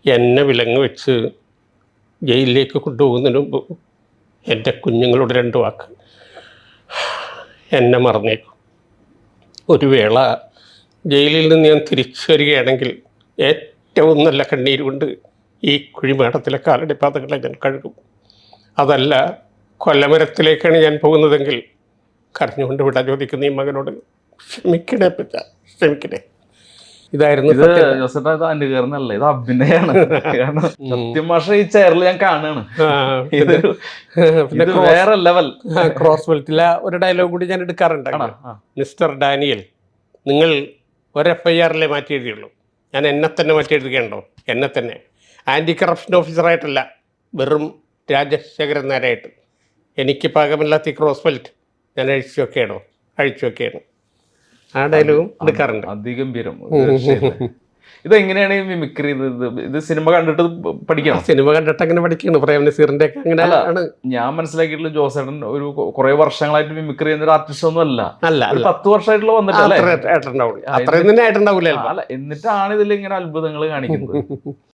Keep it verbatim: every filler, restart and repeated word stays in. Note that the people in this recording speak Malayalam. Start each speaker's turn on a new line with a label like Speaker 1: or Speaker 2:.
Speaker 1: എന്നെ വിലങ്ങ് വെച്ച് ജയിലിലേക്ക് കൊണ്ടുപോകുന്നതിന് മുമ്പ് എൻ്റെ കുഞ്ഞുങ്ങളോട് രണ്ട് വാക്ക്, എന്നെ മറന്നേക്കും. ഒരു വേള ജയിലിൽ നിന്ന് ഞാൻ തിരിച്ചു വരികയാണെങ്കിൽ ഏറ്റവും നല്ല കണ്ണീര് കൊണ്ട് ഈ കുഴിമാടത്തിലെ കാലടി പാതകളെ ഞാൻ കഴുകും. അതല്ല കൊല്ലമരത്തിലേക്കാണ് ഞാൻ പോകുന്നതെങ്കിൽ കരഞ്ഞുകൊണ്ട് വിടാൻ ചോദിക്കുന്ന ഈ മകനോട് ക്ഷമിക്കണേ പറ്റ ക്ഷമിക്കണേ. ഇതായിരുന്നു
Speaker 2: ഇത് ജോസേട്ടാ, ഇത് അനുകരണല്ല, ഇത് അഭിനയാണ്. കാരണം സത്യം ഭാഷ ഈ ചെയറിൽ ഞാൻ കാണുകയാണ്. ഇത് വേറെ ലെവൽ.
Speaker 1: ക്രോസ് ബെൽറ്റിലെ ഒരു ഡയലോഗ് കൂടി ഞാൻ എടുക്കാറുണ്ട്. മിസ്റ്റർ ഡാനിയൽ, നിങ്ങൾ ഒരു എഫ് ഐ ആറിലെ മാറ്റി എഴുതിയുള്ളൂ, ഞാൻ എന്നെ തന്നെ മാറ്റി എഴുതുകയുണ്ടോ? എന്നെ തന്നെ ആൻറ്റി കറപ്ഷൻ ഓഫീസറായിട്ടല്ല, വെറും രാജശേഖരൻ നായരായിട്ട്. എനിക്ക് പാകമില്ലാത്ത ഈ ക്രോസ് ബെൽറ്റ് ഞാൻ അഴിച്ചു വെക്കുകയാണോ? അഴിച്ചു വെക്കുകയാണ്. ആ ഡയലോഗും എടുക്കാറുണ്ട്.
Speaker 2: അതിഗംഭീരം. ഇതെങ്ങനെയാണ് ഈ മിമിക്രി? ഇത് ഇത് സിനിമ കണ്ടിട്ട് പഠിക്കണം?
Speaker 1: സിനിമ കണ്ടിട്ട് അങ്ങനെ പഠിക്കുന്നു. പ്രേം നസീറിന്റെ ഒക്കെ അങ്ങനെ ആണ്
Speaker 2: ഞാൻ മനസ്സിലാക്കിയിട്ടുള്ള. ജോസേട്ടൻ ഒരു കുറെ വർഷങ്ങളായിട്ട് മിമിക്രി ചെയ്യുന്ന ഒരു ആർട്ടിസ്റ്റ് ഒന്നും അല്ല.
Speaker 1: അല്ല
Speaker 2: ഒരു പത്ത് വർഷമായിട്ടുള്ള വന്നിട്ടല്ലേ?
Speaker 1: അത്രയും തന്നെ ആയിട്ടുണ്ടാവില്ല.
Speaker 2: അല്ല, എന്നിട്ടാണ് ഇതിൽ ഇങ്ങനെ അത്ഭുതങ്ങൾ കാണിക്കുന്നത്.